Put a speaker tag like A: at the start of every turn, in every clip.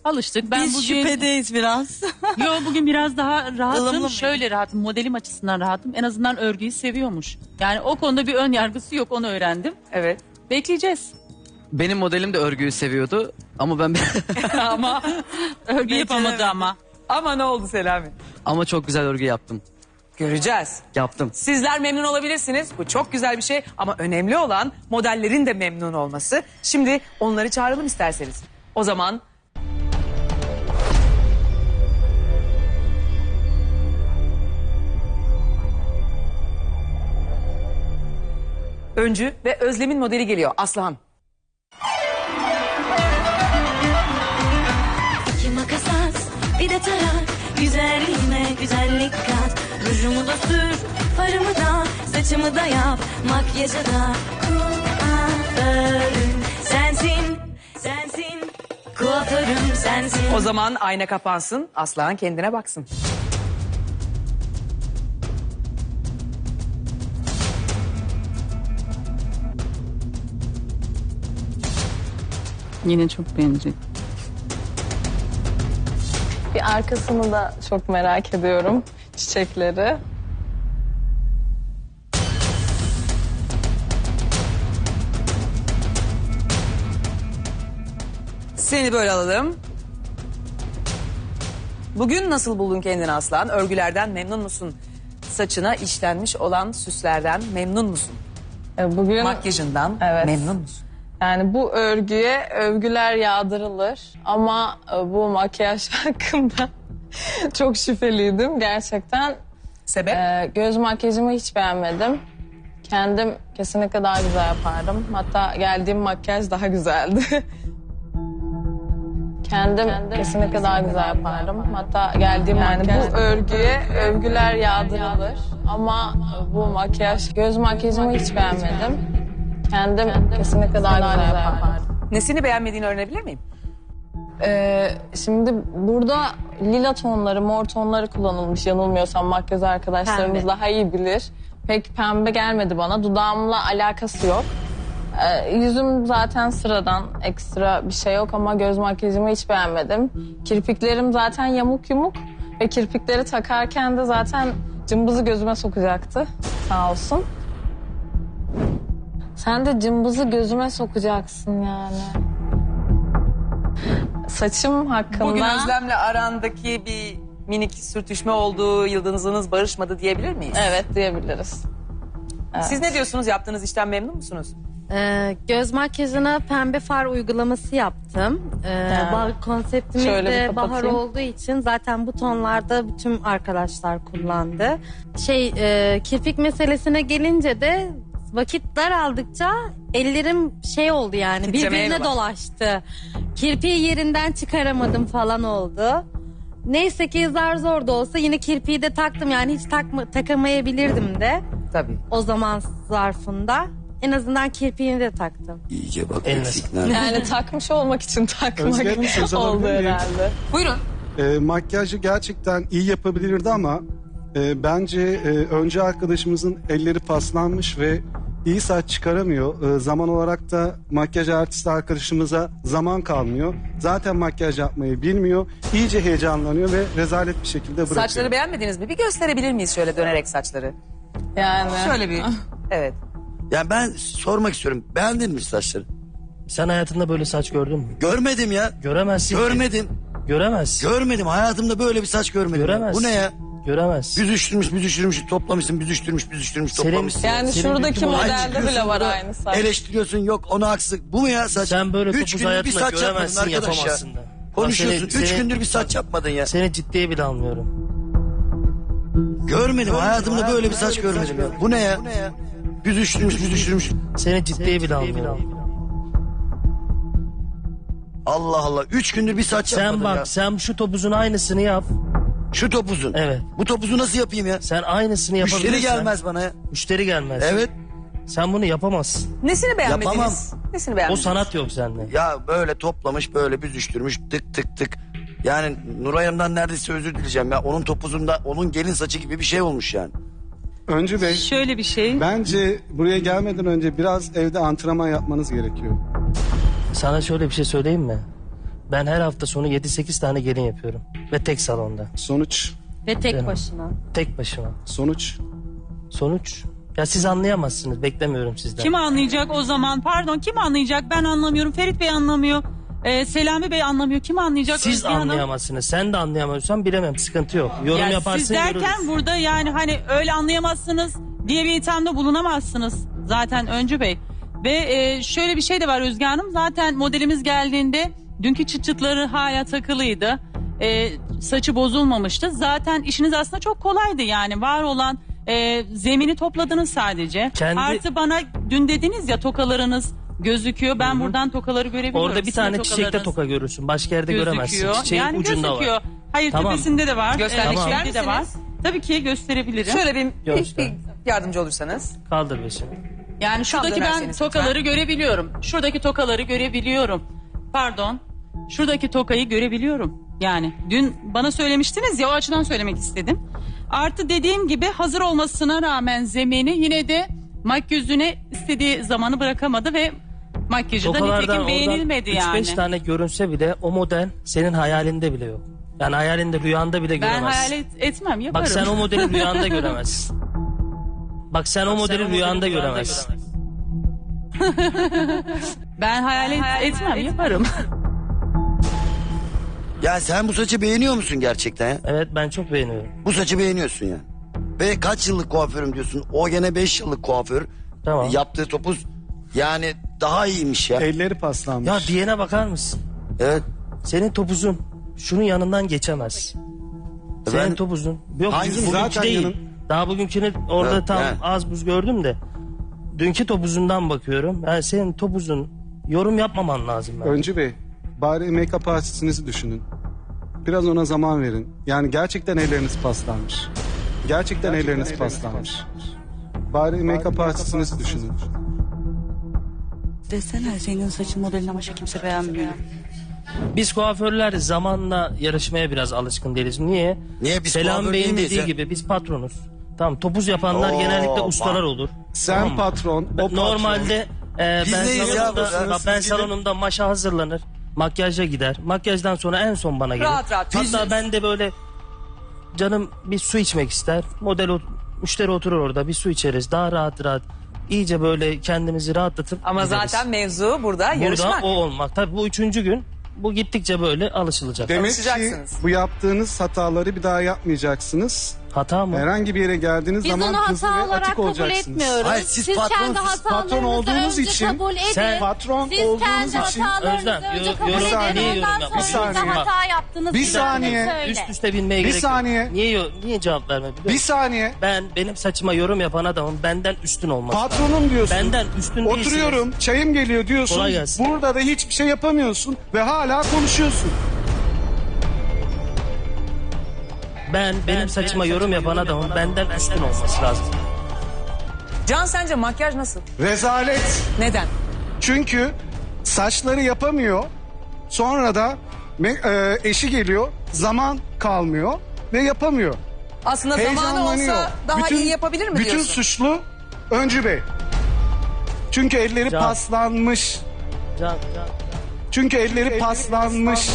A: Alıştık. Ben
B: Biz
A: bugün
B: şüphedeyiz biraz.
A: bugün biraz daha
B: Ilımlı
A: rahatım.
B: mıydı?
A: Şöyle rahatım. Modelim açısından rahatım. En azından örgüyü seviyormuş. Yani o konuda bir ön yargısı yok. Onu öğrendim.
C: Evet.
A: Bekleyeceğiz.
D: Benim modelim de örgüyü seviyordu ama ben
A: Ama örgü yapamadı ama.
C: Ama ne oldu Selami?
D: ama çok güzel örgü yaptım.
C: Göreceğiz.
D: Yaptım.
C: Sizler memnun olabilirsiniz. Bu çok güzel bir şey ama önemli olan modellerin de memnun olması. Şimdi onları çağıralım isterseniz. O zaman Öncü ve Özlem'in modeli geliyor. Aslıhan.
E: İki makas at, bir de tarak. Güzelliğime güzellik kat. Rujumu da sür, farımı da, saçımı da yap. Makyajı da kuaförüm sensin, sensin. Kuaförüm sensin.
C: O zaman ayna kapansın. Aslıhan kendine baksın.
A: Yine çok beğenecek.
F: Bir arkasını da çok merak ediyorum. Çiçekleri.
C: Seni böyle alalım. Bugün nasıl buldun kendini Aslan? Örgülerden memnun musun? Saçına işlenmiş olan süslerden memnun musun?
F: Bugün
C: Makyajından
F: Evet.
C: memnun musun?
F: yani bu örgüye övgüler yağdırılır. Ama bu makyaj hakkında çok şüpheliydim gerçekten.
C: Sebep?
F: Göz makyajımı hiç beğenmedim. Kendim kesinlikle daha güzel yapardım. Hatta geldiğim makyaj daha güzeldi. Kendim kesinlikle daha güzel yapardım. Hatta geldiğim makyaj... Bu örgüye övgüler yağdırılır. Ama bu makyaj, göz makyajımı hiç beğenmedim. Kendim kesinlikle daha güzel yapardım.
C: Nesini beğenmediğini öğrenebilir miyim?
F: Şimdi burada lila tonları, mor tonları kullanılmış yanılmıyorsam makyöz arkadaşlarımız
E: Pembe.
F: daha iyi bilir. Pek pembe gelmedi bana. Dudağımla alakası yok. Yüzüm zaten sıradan, ekstra bir şey yok ama göz makyajımı hiç beğenmedim. Kirpiklerim zaten yamuk yumuk ve kirpikleri takarken de zaten cımbızı gözüme sokacaktı. Sağ olsun. Sen de cımbızı gözüme sokacaksın yani. Saçım hakkında...
C: Bugün Özlem'le arandaki bir minik sürtüşme oldu, yıldızınız barışmadı diyebilir miyiz?
F: Evet diyebiliriz.
C: Siz ne diyorsunuz? Yaptığınız işten memnun musunuz?
G: Göz makyajına pembe far uygulaması yaptım. Konseptimiz
F: Şöyle bir
G: de bahar
F: kapatayım.
G: olduğu için zaten bu tonlarda bütün arkadaşlar kullandı. Kirpik meselesine gelince de vakit daraldıkça ellerim oldu yani
C: Titremeye
G: birbirine
C: mi başladı?
G: dolaştı. Kirpiği yerinden çıkaramadım falan oldu. Neyse ki zar zor da olsa yine kirpiği de taktım yani hiç takamayabilirdim de
C: Tabii.
G: o zaman zarfında. En azından kirpiğini de taktım.
H: İyice bak
I: Eline
H: eksikler.
F: Yani takmış olmak için takmak
J: Özge, söz
F: oldu
J: alabilir miyim?
F: herhalde.
C: Buyurun.
J: Makyajı gerçekten iyi yapabilirdi ama bence önce arkadaşımızın elleri paslanmış ve iyi saç çıkaramıyor. Zaman olarak da makyaj artisti arkadaşımıza zaman kalmıyor. Zaten makyaj yapmayı bilmiyor. İyice heyecanlanıyor ve rezalet bir şekilde bırakıyor.
C: Saçları beğenmediniz mi? Bir gösterebilir miyiz şöyle dönerek saçları?
F: Yani.
C: Şöyle bir. Evet.
H: Yani ben sormak istiyorum. Beğendin mi saçları?
I: Sen hayatında böyle saç gördün mü?
H: Görmedim ya.
I: Göremezsin ki.
H: Görmedim.
I: Göremezsin.
H: Görmedim. Hayatımda böyle bir saç görmedim.
I: Göremezsin.
H: Bu ne ya?
I: Göremezsin.
H: Büzüştürmüş, toplamışsın, büzüştürmüş, toplamışsın.
F: Yani
I: Senin
F: şuradaki
I: dünkü
F: modelde
H: çıkıyorsun
F: bile var
H: burada,
F: aynı saç.
H: Eleştiriyorsun yok onu haksız. Bu mu ya saç?
I: Sen böyle
H: 3
I: topuz
H: gündür bir
I: hayatında
H: saç yapmadın
I: göremezsin,
H: arkadaş ya.
I: yapamazsın da.
H: Konuşuyorsun.
I: Bak
H: 3 gündür bir saç yapmadın ya.
I: Seni ciddiye bile almıyorum.
H: Görmedim. Hayatımda böyle bir saç görmedim ya. Bu ne ya? Büzüştürmüş.
I: Seni ciddiye bile almıyorum.
H: Allah Allah. 3 gündür bir saç
I: Sen
H: yapmadın
I: bak
H: ya.
I: sen şu topuzun aynısını yap.
H: Şu topuzun.
I: Evet.
H: Bu topuzu nasıl yapayım ya?
I: Sen aynısını yapabilirsen.
H: Müşteri gelmez bana ya.
I: Müşteri gelmez.
H: Evet.
I: Sen bunu yapamazsın.
C: Nesini beğenmediniz?
H: Yapamam.
C: Nesini
I: O
C: beğenmediniz?
I: sanat yok sende.
H: Ya böyle toplamış böyle büzüştürmüş tık. Yani Nuray Hanım'dan neredeyse özür dileyeceğim ya. Onun topuzunda onun gelin saçı gibi bir şey olmuş yani.
J: Öncü Bey,
A: Şöyle bir şey.
J: bence buraya gelmeden önce biraz evde antrenman yapmanız gerekiyor.
I: Sana şöyle bir şey söyleyeyim mi? Ben her hafta sonu 7-8 tane gelin yapıyorum. Ve tek salonda.
J: Sonuç.
G: Ve tek
I: Canım.
G: başına.
I: Tek başıma.
J: Sonuç.
I: Sonuç. Ya siz anlayamazsınız. Beklemiyorum sizden.
A: Kim anlayacak o zaman? Pardon, kim anlayacak? Ben anlamıyorum. Ferit Bey anlamıyor. Selami Bey anlamıyor. Kim anlayacak?
I: Siz
A: Özge Hanım?
I: anlayamazsınız. Sen de anlayamıyorsan bilemem. Sıkıntı yok. Yorum
A: Ya
I: yaparsın
A: siz derken
I: görürüz.
A: burada yani hani öyle anlayamazsınız diye bir ithamda bulunamazsınız zaten Öncü Bey. Ve şöyle bir şey de var Özge Hanım. Zaten modelimiz geldiğinde dünkü çıt çıtları hala takılıydı. Saçı bozulmamıştı. Zaten işiniz aslında çok kolaydı yani. Var olan zemini topladınız sadece. Artı bana dün dediniz ya tokalarınız gözüküyor. Ben buradan tokaları görebiliyorum.
I: Orada bir
A: Sizin
I: tane çiçekte
A: tokalarınız
I: toka görürsün. Başka yerde göremezsin.
A: gözüküyor.
I: Çiçeğin
A: Yani
I: ucunda
A: gözüküyor.
I: var.
A: Hayır,
I: Tamam.
A: tepesinde de var.
C: Göstermek ister
A: şeyde de var.
C: misiniz?
A: Tabii ki gösterebilirim.
C: Şöyle bir
I: Göster.
C: yardımcı olursanız.
I: Kaldır beşini.
A: Yani şuradaki ben
C: dönerseniz
A: tokaları görebiliyorum. Şuradaki tokaları görebiliyorum. Pardon. Şuradaki tokayı görebiliyorum. Yani dün bana söylemiştiniz ya, o açıdan söylemek istedim. Artı dediğim gibi hazır olmasına rağmen zemini yine de makyözüne istediği zamanı bırakamadı ve makyajı da
I: Tokalardan
A: nitekim
I: oradan
A: beğenilmedi
I: 3-5
A: yani.
I: tane görünse bile o model senin hayalinde bile yok. Yani hayalinde, rüyanda bile
A: Ben
I: göremezsin.
A: hayal etmem, yaparım.
I: Bak sen o modeli rüyanda göremezsin. Bak sen o modeli rüyanda göremezsin.
A: Ben hayal etmem, yaparım.
H: Ya sen bu saçı beğeniyor musun gerçekten ya?
I: Evet, ben çok beğeniyorum.
H: Bu saçı beğeniyorsun ya. Ve kaç yıllık kuaförüm diyorsun. O gene 5 yıllık kuaför.
I: Tamam.
H: Yaptığı topuz yani daha iyiymiş ya.
J: Elleri paslanmış.
I: Ya diyene bakar mısın?
H: Evet.
I: Senin topuzun şunun yanından geçemez. Senin
H: Ben-
I: topuzun. Yok
H: Hangisi?
I: bugünkü
J: Zaten
I: değil.
J: yanın-
I: Daha bugünkünü orada
H: Evet,
I: tam
H: yani.
I: az buz gördüm de. Dünkü topuzundan bakıyorum. Yani senin topuzun yorum yapmaman lazım. Ben.
J: Öncü Bey, bari make-up artistinizi düşünün. Biraz ona zaman verin. Yani gerçekten elleriniz paslanmış. Gerçekten elleriniz paslanmış. Bari make-up artistinizi düşünün.
A: Desene senin saçın modelini ama kimse beğenmiyor.
I: Biz kuaförler zamanla yarışmaya biraz alışkın değiliz. Niye?
H: Niye? Biz
I: Selam
H: kuaför
I: Bey'in
H: değil miyiz
I: dediği
H: ya?
I: gibi biz patronuz. Tamam, topuz yapanlar
H: Oo,
I: genellikle
H: bak.
I: ustalar olur.
J: Sen
I: Tamam mı?
J: patron, o patron.
I: Normalde
H: Biz
I: ben
H: neyiz ya
I: salonumda,
H: burada?
I: bak, ben salonumda maşa hazırlanır. Makyaja gider. Makyajdan sonra en son bana gelir.
C: Rahat rahat.
I: Hatta ben de böyle canım bir su içmek ister. Müşteri oturur orada, bir su içeriz. Daha rahat rahat. İyice böyle kendimizi rahatlatıp
C: Ama
I: gideriz.
C: zaten mevzu burada yarışmak.
I: Burada o olmak. Tabii bu 3. gün. Bu gittikçe böyle alışılacak.
J: Demek ki
C: Alışacaksınız.
J: bu yaptığınız hataları bir daha yapmayacaksınız.
I: Hata mı?
J: Herhangi bir yere geldiğiniz
G: Biz
J: zaman
G: onu
J: hızlı
G: hata
J: ve
G: olarak
J: atik
G: kabul
J: olacaksınız.
G: etmiyoruz.
H: Hayır, siz
G: kendi
H: patronsuz.
J: Patron
G: hatalarınızı
J: olduğunuz
G: önce
J: için-
G: kabul edin.
I: Sen-
J: Patron
G: Siz
J: olduğunuz
G: kendi
J: için...
G: hatalarınızı
I: Özlem,
G: önce
I: yorum-
G: kabul
J: Bir
G: edin.
J: saniye,
I: yorum
G: Ondan
I: yapma.
G: sonra
J: Bir saniye.
G: hata yaptınız.
J: Bir
G: bize
J: saniye.
G: söyle.
I: Üst üste binmeye
J: Bir
I: gerek yok.
J: saniye.
I: Niye cevap verme biliyor
J: Bir
I: musun?
J: saniye.
I: Benim saçıma yorum yapan adamın benden üstün olması.
J: Patronum diyorsun.
I: Benden üstün değilsiniz.
J: Oturuyorum, çayım geliyor diyorsun.
I: Kolay gelsin.
J: Burada da hiçbir şey yapamıyorsun ve hala konuşuyorsun.
I: Benim saçıma yorum yapan adamın benden üstün olması lazım.
C: Can, sence makyaj nasıl?
J: Rezalet.
C: Neden?
J: Çünkü saçları yapamıyor. Sonra da eşi geliyor. Zaman kalmıyor ve yapamıyor.
C: Aslında zamanı
J: Heyecanlanıyor.
C: olsa daha iyi yapabilir mi
J: bütün
C: diyorsun?
J: suçlu Öncü Bey. Çünkü elleri
I: Can.
J: paslanmış.
I: Can.
J: Çünkü elleri paslanmış.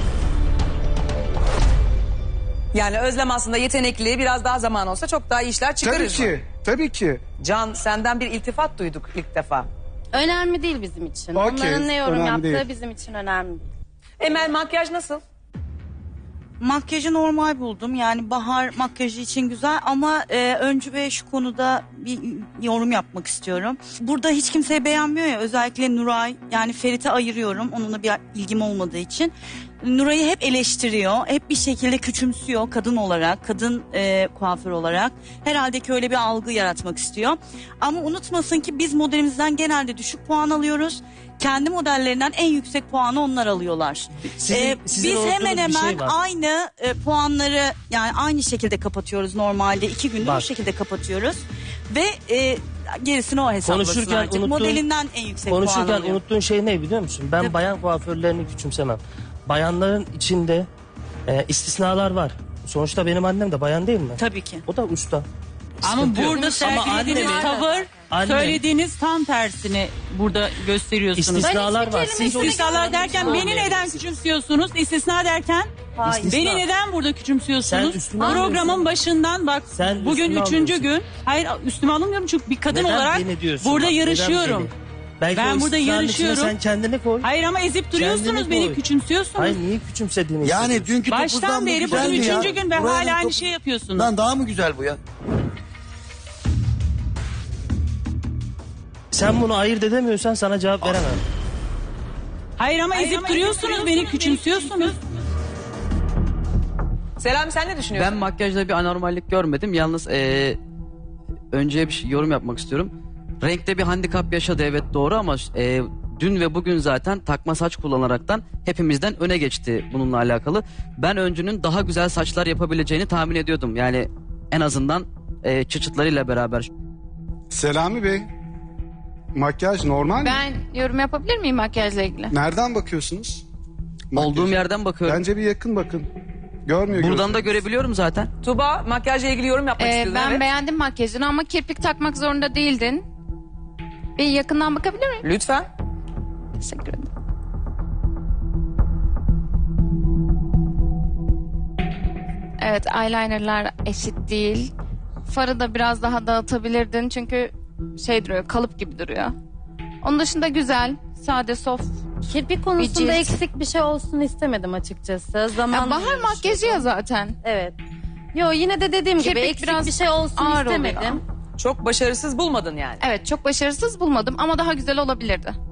C: Yani Özlem aslında yetenekli, biraz daha zaman olsa çok daha iyi işler
J: Tabii
C: çıkarır.
J: ki. Tabii ki.
C: Can, senden bir iltifat duyduk ilk defa.
G: Önemli değil bizim için.
J: Okey,
G: Onların ne yorum
J: önemli
G: yaptığı
J: değil.
G: bizim için önemli değil.
C: Emel, makyaj nasıl?
B: Makyajı normal buldum. Yani bahar makyajı için güzel ama Öncü Bey şu konuda bir yorum yapmak istiyorum. Burada hiç kimseyi beğenmiyor ya, özellikle Nuray. Yani Ferit'e ayırıyorum onunla bir ilgim olmadığı için. Nuray'ı hep eleştiriyor. Hep bir şekilde küçümsüyor kadın olarak, kadın kuaför olarak. Herhalde ki öyle bir algı yaratmak istiyor. Ama unutmasın ki biz modelimizden genelde düşük puan alıyoruz. Kendi modellerinden en yüksek puanı onlar alıyorlar.
I: Sizin
B: Biz
I: unuttuğunuz
B: hemen
I: bir şey
B: hemen
I: var.
B: aynı puanları yani aynı şekilde kapatıyoruz normalde. 2 günde
I: Bak.
B: bu şekilde kapatıyoruz. Ve gerisini o hesaplasın
I: Konuşurken
B: artık.
I: unuttuğun-
B: Modelinden en yüksek puan
I: Konuşurken
B: alıyor.
I: unuttuğun şey ne biliyor musun? Ben bayan kuaförlerini küçümsemem. Bayanların içinde istisnalar var. Sonuçta benim annem de bayan değil mi?
B: Tabii ki.
I: O da usta.
A: Ama
I: Sıkıntı yok.
A: burada sergilediğiniz
I: annem-
A: tavır,
I: annem-
A: söylediğiniz tam tersini burada gösteriyorsunuz.
I: İstisnalar var. Siz
A: İstisnalar derken beni neden küçümsüyorsunuz? İstisna derken
B: Hayır.
I: İstisna.
A: beni neden burada
I: Sen
A: küçümsüyorsunuz?
I: üstüme alıyorsun.
A: Programın başından bak
I: Sen
A: bugün
I: üstüme
A: 3.
I: alıyorsun.
A: gün. Hayır üstüme alınmıyorum çünkü bir kadın
I: Neden
A: olarak
I: beni diyorsun?
A: burada
I: Bak, neden
A: yarışıyorum.
I: beni? Belki
A: Ben
I: o
A: burada
I: istisnanın içine
A: yarışıyorum.
I: Sen kendini koy.
A: Hayır ama ezip duruyorsunuz
I: Kendini
A: beni
I: koy.
A: küçümsüyorsunuz.
I: Hayır niye küçümsediğini
H: Yani
I: hissediyorsun?
H: dünkü topuzdan
A: Baştan
H: bu
A: beri bugün
H: güzeldi ya.
A: 3. gün ve
H: Nuray
A: hala
H: Hanım
A: aynı
H: top-
A: şey yapıyorsunuz.
H: Lan daha mı güzel bu ya?
I: Sen bunu ayırt edemiyorsan sana cevap veremem.
A: Hayır ama ezip duruyorsunuz beni küçümsüyorsunuz.
C: Selami sen ne düşünüyorsun?
D: Ben makyajda bir anormallik görmedim. Yalnız önce bir yorum yapmak istiyorum. Renkte bir handikap yaşadı evet doğru ama dün ve bugün zaten takma saç kullanaraktan hepimizden öne geçti bununla alakalı. Ben öncünün daha güzel saçlar yapabileceğini tahmin ediyordum. Yani en azından çıçıtlarıyla beraber.
J: Selami Bey, makyaj normal mi?
K: Ben yorum yapabilir miyim makyajla ilgili?
J: Nereden bakıyorsunuz? Makyaja.
D: Olduğum yerden bakıyorum.
J: Bence bir yakın bakın. Görmüyor
D: Buradan da
J: gözleriniz.
D: görebiliyorum zaten.
C: Tuba makyajla ilgili yorum yapmak istiyordun.
K: Ben
C: evet.
K: beğendim makyajını ama kirpik takmak zorunda değildin. Bir yakından bakabilir miyim?
C: Lütfen.
K: Teşekkür ederim. Evet, eyelinerlar eşit değil. Farı da biraz daha dağıtabilirdin çünkü şey duruyor, kalıp gibi duruyor. Onun dışında güzel, sade, soft.
G: Kirpik konusunda
K: cilt.
G: eksik bir şey olsun istemedim açıkçası.
K: Ya
G: Zaman
K: bahar makyajı ya zaten.
G: Evet. Yo yine de dediğim gibi
K: Kirpik
G: eksik
K: biraz
G: bir şey olsun
K: ağır
G: istemedim.
K: oluyor.
C: Çok başarısız bulmadın yani.
K: Evet, çok başarısız bulmadım ama daha güzel olabilirdi.